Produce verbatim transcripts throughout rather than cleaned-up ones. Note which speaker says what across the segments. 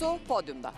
Speaker 1: Su podyumda.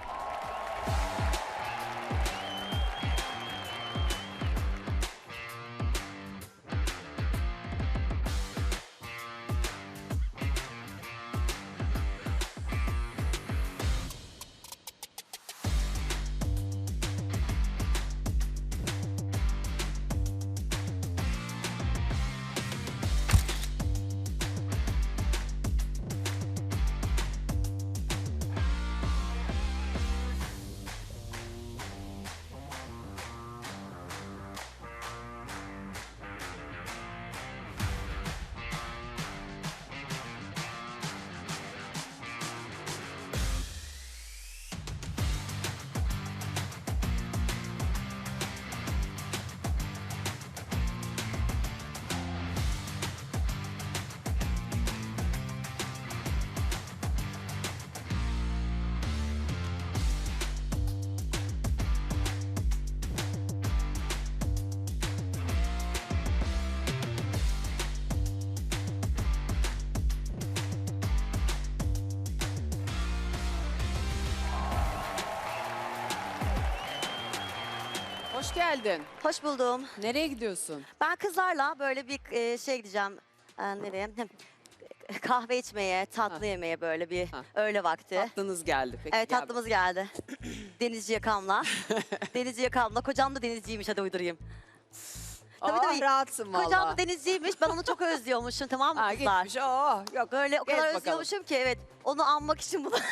Speaker 1: Hoş geldin.
Speaker 2: Hoş buldum.
Speaker 1: Nereye gidiyorsun?
Speaker 2: Ben kızlarla böyle bir e, şey gideceğim. E, nereye? Hem, kahve içmeye, tatlı
Speaker 1: Ha.
Speaker 2: yemeye böyle bir
Speaker 1: Ha.
Speaker 2: öğle vakti.
Speaker 1: Tatlınız geldi. Peki,
Speaker 2: Evet
Speaker 1: gel
Speaker 2: tatlımız geldi. Denizci yakamla. Denizci yakamla. Kocam da denizciymiş, hadi uydurayım.
Speaker 1: bakalım.
Speaker 2: tabii,
Speaker 1: Aa,
Speaker 2: tabii.
Speaker 1: rahatsın valla.
Speaker 2: Kocam da denizciymiş. Ben onu çok özlüyormuşum, tamam mı
Speaker 1: Ha,
Speaker 2: kızlar?
Speaker 1: gitmiş. Oo, yok.
Speaker 2: Böyle o
Speaker 1: Gez
Speaker 2: kadar
Speaker 1: bakalım.
Speaker 2: özlüyormuşum ki, evet. Onu anmak için bunu.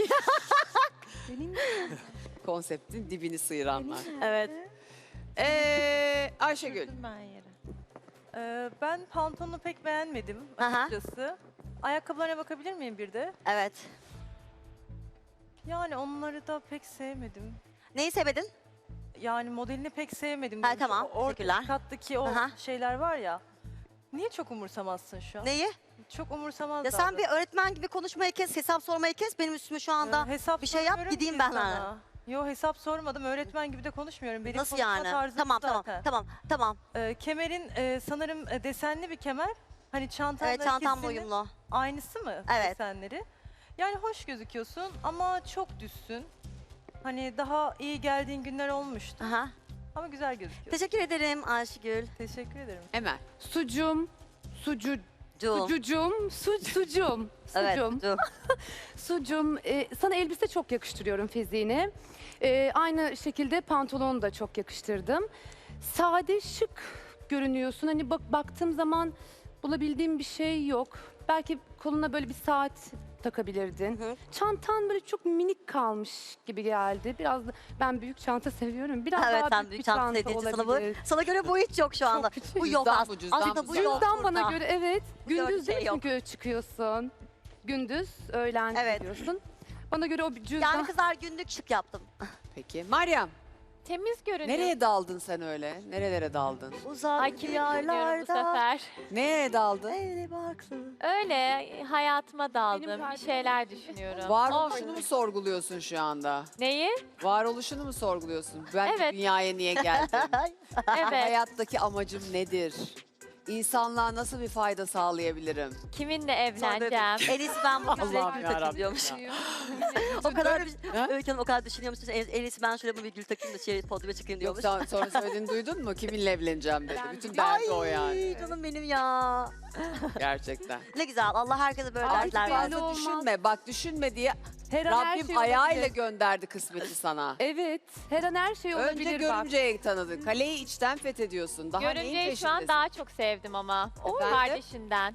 Speaker 1: Konseptin dibini sıyıranlar.
Speaker 2: Evet.
Speaker 1: Ee, Ayşegül.
Speaker 3: Sürdüm ben yere. Ee, ben pantolonu pek beğenmedim
Speaker 2: Aha.
Speaker 3: açıkçası. Ayakkabılarına bakabilir miyim bir de?
Speaker 2: Evet.
Speaker 3: Yani onları da pek sevmedim.
Speaker 2: Neyi sevmedin?
Speaker 3: Yani modelini pek sevmedim.
Speaker 2: Ha,
Speaker 3: diyorum.
Speaker 2: tamam,
Speaker 3: O orta
Speaker 2: teşekkürler.
Speaker 3: kattaki o
Speaker 2: Aha.
Speaker 3: şeyler var ya. Niye çok umursamazsın şu an?
Speaker 2: Neyi?
Speaker 3: Çok umursamaz
Speaker 2: Ya sen bir öğretmen gibi konuşmayı kes, hesap sormayı kes. Benim üstüme şu anda
Speaker 3: hesap
Speaker 2: bir şey yap,
Speaker 3: sormuyorum
Speaker 2: gideyim
Speaker 3: ki
Speaker 2: ben
Speaker 3: sana.
Speaker 2: ha.
Speaker 3: Yo, hesap sormadım. Öğretmen gibi de konuşmuyorum. Benim
Speaker 2: Nasıl
Speaker 3: konuşma
Speaker 2: yani?
Speaker 3: tarzım
Speaker 2: Tamam tamam
Speaker 3: zaten.
Speaker 2: tamam tamam.
Speaker 3: Ee, kemerin e, sanırım e, desenli bir kemer. Hani çantanla
Speaker 2: Evet, çantamla
Speaker 3: ikisinin
Speaker 2: uyumlu.
Speaker 3: aynısı mı
Speaker 2: Evet.
Speaker 3: desenleri? Yani hoş gözüküyorsun ama çok düzsün. Hani daha iyi geldiğin günler olmuştu
Speaker 2: Aha.
Speaker 3: ama güzel gözüküyorsun.
Speaker 2: Teşekkür ederim Ayşegül.
Speaker 3: Teşekkür ederim.
Speaker 1: Emel.
Speaker 4: Sucum, sucu,
Speaker 2: Cum.
Speaker 4: sucucum, su, sucum,
Speaker 2: Evet.
Speaker 4: sucum,
Speaker 2: cum.
Speaker 4: sucum. Ee, sana elbise çok yakıştırıyorum fiziğine. Ee, aynı şekilde pantolonu da çok yakıştırdım. Sade, şık görünüyorsun. Hani bak baktığım zaman bulabildiğim bir şey yok. Belki koluna böyle bir saat takabilirdin.
Speaker 2: Hı hı.
Speaker 4: Çantan böyle çok minik kalmış gibi geldi. Biraz da ben büyük çanta seviyorum. Biraz
Speaker 2: Evet,
Speaker 4: daha
Speaker 2: sen
Speaker 4: büyük
Speaker 2: büyük
Speaker 4: bir
Speaker 2: çanta
Speaker 4: çanta
Speaker 2: sevdiğin için sana bu,
Speaker 4: olabilir.
Speaker 2: sana göre bu hiç yok şu anda.
Speaker 4: küçük.
Speaker 2: Bu yok
Speaker 1: Cüzdan
Speaker 2: aslında.
Speaker 1: bu, cüzdan
Speaker 2: Aslında
Speaker 1: bu,
Speaker 2: bu
Speaker 1: cüzdan.
Speaker 2: yok
Speaker 4: Cüzdan bana
Speaker 2: burada.
Speaker 4: göre evet.
Speaker 2: Bu gördüğün
Speaker 4: Gündüz
Speaker 2: şey
Speaker 4: değil
Speaker 2: yok.
Speaker 4: çünkü çıkıyorsun. Gündüz, öğlen
Speaker 2: Evet.
Speaker 4: gidiyorsun. Bana göre o bir cüzdan.
Speaker 2: Yani kızlar günlük şık yaptım.
Speaker 1: Peki. Meryem.
Speaker 5: Temiz görünüyor.
Speaker 1: Nereye daldın sen öyle? Nerelere daldın?
Speaker 2: Uzak
Speaker 5: Ay kimi dinliyorum bu
Speaker 2: diyarlarda.
Speaker 5: sefer.
Speaker 1: Nereye daldın?
Speaker 2: Öyle baksın.
Speaker 5: Öyle hayatıma daldım. Bir
Speaker 4: kardeşim
Speaker 5: şeyler düşünüyorum.
Speaker 1: Varoluşunu mu sorguluyorsun şu anda?
Speaker 5: Neyi?
Speaker 1: Varoluşunu mu sorguluyorsun? Ben
Speaker 5: Evet.
Speaker 1: dünyaya niye geldim?
Speaker 5: Evet.
Speaker 1: Hayattaki amacım nedir? İnsanlığa nasıl bir fayda sağlayabilirim?
Speaker 5: Kiminle evleneceğim?
Speaker 2: En iyisi ben bu güzel
Speaker 1: Allah'ım
Speaker 2: gül
Speaker 1: yarabbim
Speaker 2: takayım diyormuş.
Speaker 1: ya.
Speaker 2: O kadar
Speaker 1: Ha?
Speaker 2: Öykü Hanım o kadar düşünüyormuş. En, en iyisi ben şöyle bir gül takayım da şey, podyuma çıkayım
Speaker 1: Yok
Speaker 2: diyormuş.
Speaker 1: sen sonra söylediğini duydun mu? Kiminle evleneceğim dedi. Bütün derdi o yani.
Speaker 2: Ay canım benim ya.
Speaker 1: Gerçekten.
Speaker 2: Ne güzel. Allah herkese böyle
Speaker 4: Artık
Speaker 2: dertler
Speaker 4: belli
Speaker 2: versin.
Speaker 1: Fazla
Speaker 4: olmaz.
Speaker 1: düşünme. Bak düşünme diye
Speaker 4: Her an her
Speaker 1: Rabbim
Speaker 4: şey
Speaker 1: ayağıyla
Speaker 4: olabilir.
Speaker 1: gönderdi kısmeti sana.
Speaker 4: Evet, her an her şey olabilir
Speaker 1: Önce
Speaker 4: bak.
Speaker 1: görümceyi tanıdın. Kaleyi içten fethediyorsun. Daha neyin
Speaker 5: Görümceyi şu an
Speaker 1: peşindesin?
Speaker 5: daha çok sevdim ama. O
Speaker 1: Efendim?
Speaker 5: kardeşinden.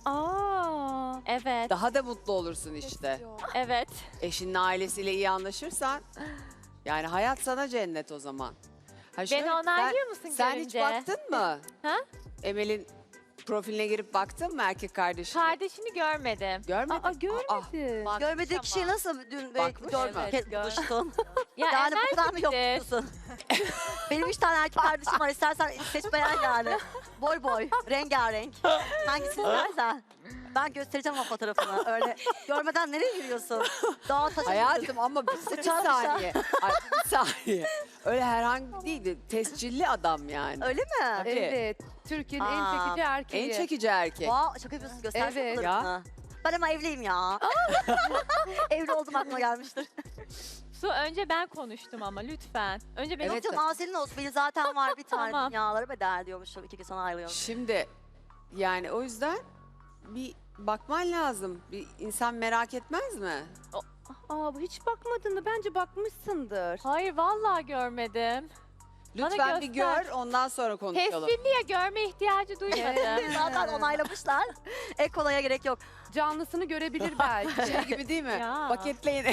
Speaker 4: Aa,
Speaker 5: Evet.
Speaker 1: Daha da mutlu olursun işte.
Speaker 5: Evet.
Speaker 1: Eşinin ailesiyle iyi anlaşırsan yani hayat sana cennet o zaman. Ha şöyle,
Speaker 5: Beni onaylıyor
Speaker 1: sen-
Speaker 5: musun
Speaker 1: Sen
Speaker 5: görünce?
Speaker 1: hiç baktın mı?
Speaker 5: Ha?
Speaker 1: Emel'in profiline girip baktın mı erkek kardeşine?
Speaker 5: Kardeşini görmedim.
Speaker 1: Görmedin.
Speaker 4: aa görmedim.
Speaker 5: Bakmış
Speaker 2: Görmediği
Speaker 5: ama.
Speaker 2: kişiyi nasıl dün
Speaker 1: Bakmış
Speaker 2: belki
Speaker 1: mı?
Speaker 2: dört kez
Speaker 5: Evet,
Speaker 2: buluştun?
Speaker 5: Ya
Speaker 2: Yani bu kadar mı
Speaker 5: enerjiktir.
Speaker 2: yoksun? Benim üç tane erkek kardeşim var. İstersen seç beğen yani. Boy boy, rengarenk. Hangisini istersen. Ben göstereceğim o fotoğrafını. Öyle görmeden nereye yürüyorsun? Dağa taşa
Speaker 1: Hayatım ama bir, bir
Speaker 2: Sıçan
Speaker 1: saniye. Ay, bir saniye. Öyle herhangi değil. Tescilli adam yani.
Speaker 2: Öyle mi?
Speaker 4: Evet, Türkiye'nin en
Speaker 2: Aa,
Speaker 4: çekici erkeği.
Speaker 1: En çekici erkek.
Speaker 2: Vay şaka yapıyorsun, göstersene
Speaker 4: Evet.
Speaker 2: fotoğrafını. Ben ama evliyim ya. Evli oldum aklıma gelmiştir.
Speaker 5: Su önce ben konuştum ama lütfen. Önce benim
Speaker 1: Evet.
Speaker 2: Yok canım senin olsun. Benim zaten var bir tane
Speaker 5: Tamam.
Speaker 2: dünyaları bedel diyormuşum. İki gün sonra ayrılıyorum.
Speaker 1: Şimdi yani o yüzden bir bakman lazım. Bir insan merak etmez mi?
Speaker 4: Aa bu hiç bakmadın mı? Bence bakmışsındır.
Speaker 5: Hayır vallahi görmedim.
Speaker 1: Lütfen bir
Speaker 5: göster.
Speaker 1: gör ondan sonra konuşalım.
Speaker 5: Tesbihliye görme ihtiyacı duymadım.
Speaker 2: Zaten onaylamışlar. Ek olaya gerek yok.
Speaker 4: Canlısını görebilir belki.
Speaker 1: Şey gibi değil mi?
Speaker 5: Ya.
Speaker 1: Paketleyin.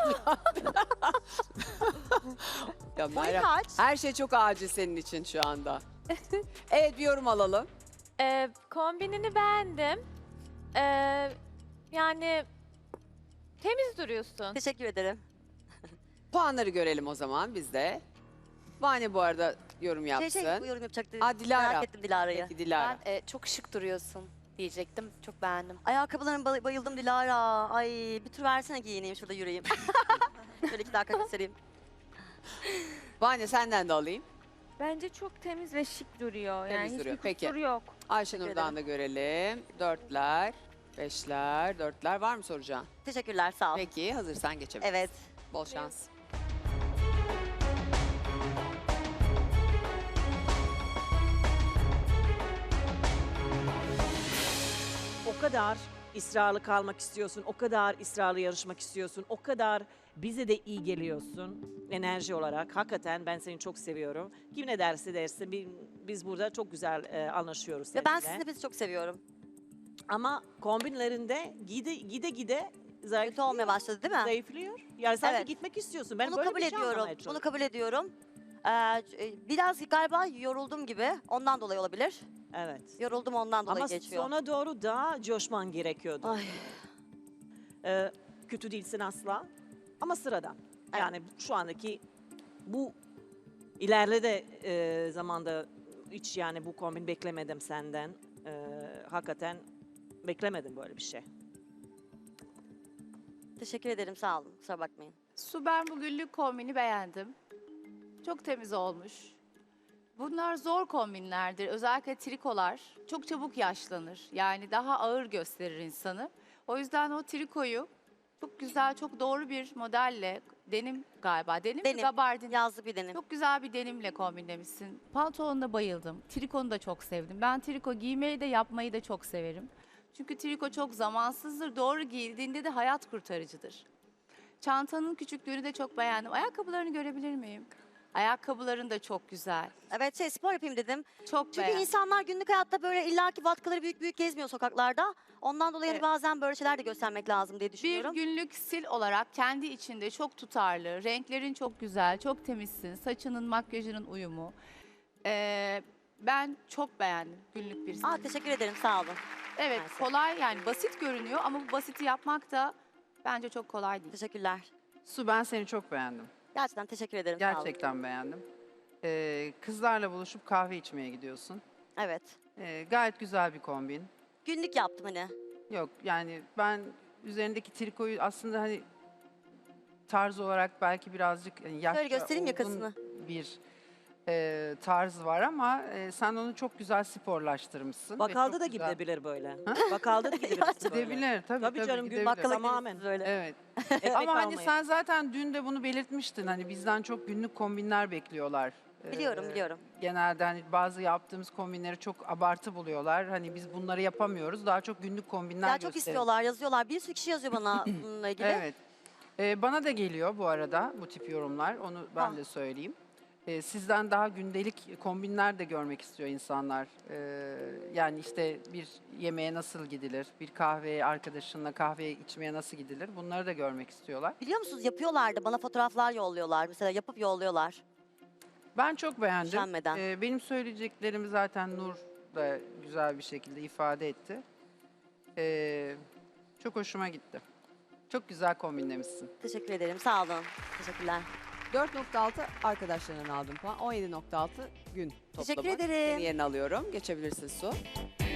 Speaker 1: Ya
Speaker 2: Boyu
Speaker 1: Meryem,
Speaker 2: kaç?
Speaker 1: her şey çok acil senin için şu anda. Evet bir yorum alalım.
Speaker 5: Ee, kombinini beğendim. Ee, yani temiz duruyorsun.
Speaker 2: Teşekkür ederim.
Speaker 1: Puanları görelim o zaman biz de. Vane bu arada yorum yapsın.
Speaker 2: Şey şey bu yorum yapacaktı.
Speaker 1: Aa, Dilara.
Speaker 2: Merak ettim Dilara'yı.
Speaker 1: Peki Dilara.
Speaker 6: Ben e, çok şık duruyorsun diyecektim. Çok beğendim.
Speaker 2: Ayakkabılarına bay- bayıldım Dilara. Ay bir tur versene giyineyim şurada yürüyeyim. Şöyle iki dakika göstereyim.
Speaker 1: Vane senden de alayım.
Speaker 7: Bence çok temiz ve şık duruyor.
Speaker 1: Temiz
Speaker 7: yani
Speaker 1: duruyor,
Speaker 7: hiçbir
Speaker 1: peki.
Speaker 7: kusuru yok.
Speaker 1: Ayşenur'dan da görelim. Dörtler, beşler, dörtler. Var mı soracağın?
Speaker 2: Teşekkürler sağ ol.
Speaker 1: Peki hazırsan geçebiliriz.
Speaker 2: Evet.
Speaker 1: Bol şans.
Speaker 8: O kadar ısrarlı kalmak istiyorsun, o kadar ısrarlı yarışmak istiyorsun, o kadar bize de iyi geliyorsun enerji olarak. Hakikaten ben seni çok seviyorum. Kim ne derse derse bi- biz burada çok güzel e, anlaşıyoruz
Speaker 2: Ve ben
Speaker 8: seninle.
Speaker 2: sizi hepinizi çok seviyorum.
Speaker 8: Ama kombinlerinde gide gide gide
Speaker 2: Kötü
Speaker 8: zayıflıyor.
Speaker 2: olmaya başladı değil mi?
Speaker 8: Zayıflıyor. Yani sanki
Speaker 2: Evet.
Speaker 8: gitmek istiyorsun. Ben
Speaker 2: Bunu
Speaker 8: böyle
Speaker 2: kabul
Speaker 8: bir şey
Speaker 2: ediyorum.
Speaker 8: anlamaya
Speaker 2: Bunu
Speaker 8: çalışıyorum.
Speaker 2: kabul ediyorum. Ee, biraz galiba yoruldum gibi. Ondan dolayı olabilir.
Speaker 8: Evet.
Speaker 2: Yoruldum ondan dolayı
Speaker 8: Ama
Speaker 2: geçiyor.
Speaker 8: sona doğru daha coşman gerekiyordu.
Speaker 2: Ay.
Speaker 8: Ee, kötü değilsin asla ama sıradan.
Speaker 2: Evet.
Speaker 8: Yani şu andaki bu ileride e, zamanda hiç yani bu kombin beklemedim senden. Ee, hakikaten beklemedim böyle bir şey.
Speaker 2: Teşekkür ederim sağ olun. Kusura bakmayın.
Speaker 9: Su ben bugünlük kombini beğendim. Çok temiz olmuş. Bunlar zor kombinlerdir. Özellikle trikolar çok çabuk yaşlanır. Yani daha ağır gösterir insanı. O yüzden o trikoyu çok güzel, çok doğru bir modelle, denim galiba, denim, mi,
Speaker 2: Denim.
Speaker 9: gabardin.
Speaker 2: Yazlı bir denim.
Speaker 9: Çok güzel bir denimle kombinlemişsin. Pantolonuna bayıldım. Trikonu da çok sevdim. Ben triko giymeyi de yapmayı da çok severim. Çünkü triko çok zamansızdır. Doğru giyildiğinde de hayat kurtarıcıdır. Çantanın küçüklüğünü de çok beğendim. Ayakkabılarını görebilir miyim? Ayakkabıların da çok güzel.
Speaker 2: Evet şey spor yapayım dedim.
Speaker 9: Çok
Speaker 2: Çünkü
Speaker 9: beğendim.
Speaker 2: insanlar günlük hayatta böyle illaki vatkaları büyük büyük gezmiyor sokaklarda. Ondan dolayı hani
Speaker 9: Evet.
Speaker 2: bazen böyle şeyler de göstermek lazım diye
Speaker 9: Bir
Speaker 2: düşünüyorum.
Speaker 9: günlük stil olarak kendi içinde çok tutarlı. Renklerin çok güzel, çok temizsin. Saçının, makyajının uyumu. Ee, ben çok beğendim günlük bir stil.
Speaker 2: Aa teşekkür ederim sağ olun.
Speaker 9: Evet,
Speaker 2: Mersi.
Speaker 9: kolay yani basit görünüyor ama bu basiti yapmak da bence çok kolay değil.
Speaker 2: Teşekkürler.
Speaker 10: Su ben seni çok beğendim.
Speaker 2: Gerçekten teşekkür ederim sağ olun.
Speaker 10: Gerçekten beğendim. Ee, kızlarla buluşup kahve içmeye gidiyorsun.
Speaker 2: Evet.
Speaker 10: Ee, gayet güzel bir kombin.
Speaker 2: Günlük yaptım hani.
Speaker 10: Yok yani ben üzerindeki trikoyu aslında hani tarz olarak belki birazcık hani yaşça
Speaker 2: Şöyle göstereyim
Speaker 10: olgun
Speaker 2: yakasını.
Speaker 10: bir e, tarz var ama e, sen onu çok güzel sporlaştırmışsın. ve
Speaker 8: Bakalda
Speaker 10: çok
Speaker 8: da
Speaker 10: güzel-
Speaker 8: gidebilir böyle. Bakalda da gidebilirsin böyle.
Speaker 10: Gidebilir tabii
Speaker 8: Tabii
Speaker 10: tabii,
Speaker 8: canım, gün
Speaker 10: gidebilir.
Speaker 8: bakkala
Speaker 2: Tamamen.
Speaker 8: Tamamen.
Speaker 2: Böyle.
Speaker 10: Evet.
Speaker 8: Ekmek
Speaker 10: Ama hani
Speaker 8: almaya.
Speaker 10: sen zaten dün de bunu belirtmiştin. Hani bizden çok günlük kombinler bekliyorlar.
Speaker 2: Biliyorum
Speaker 10: Ee,
Speaker 2: biliyorum.
Speaker 10: Genelde hani bazı yaptığımız kombinleri çok abartı buluyorlar. Hani biz bunları yapamıyoruz. Daha çok günlük kombinler
Speaker 2: Ya çok
Speaker 10: gösterelim.
Speaker 2: istiyorlar yazıyorlar. Bir sürü kişi yazıyor bana bununla ilgili.
Speaker 10: Evet. Ee, bana da geliyor bu arada bu tip yorumlar. Onu ben
Speaker 2: Ah.
Speaker 10: de söyleyeyim. Ee, sizden daha gündelik kombinler de görmek istiyor insanlar. Ee, yani işte bir yemeğe nasıl gidilir, bir kahveye arkadaşınla kahve içmeye nasıl gidilir, bunları da görmek istiyorlar.
Speaker 2: Biliyor musunuz yapıyorlar da bana fotoğraflar yolluyorlar. Mesela yapıp yolluyorlar.
Speaker 10: Ben çok beğendim.
Speaker 2: Üşenmeden.
Speaker 10: Ee, benim söyleyeceklerimi zaten Nur da güzel bir şekilde ifade etti. Ee, çok hoşuma gitti. Çok güzel kombinlemişsin.
Speaker 2: Teşekkür ederim sağ olun. Teşekkürler.
Speaker 1: dört nokta altı arkadaşlarından aldım puan. on yedi nokta altı gün toplamı.
Speaker 2: Teşekkür ederim.
Speaker 1: Seni yerine alıyorum. Geçebilirsin Su.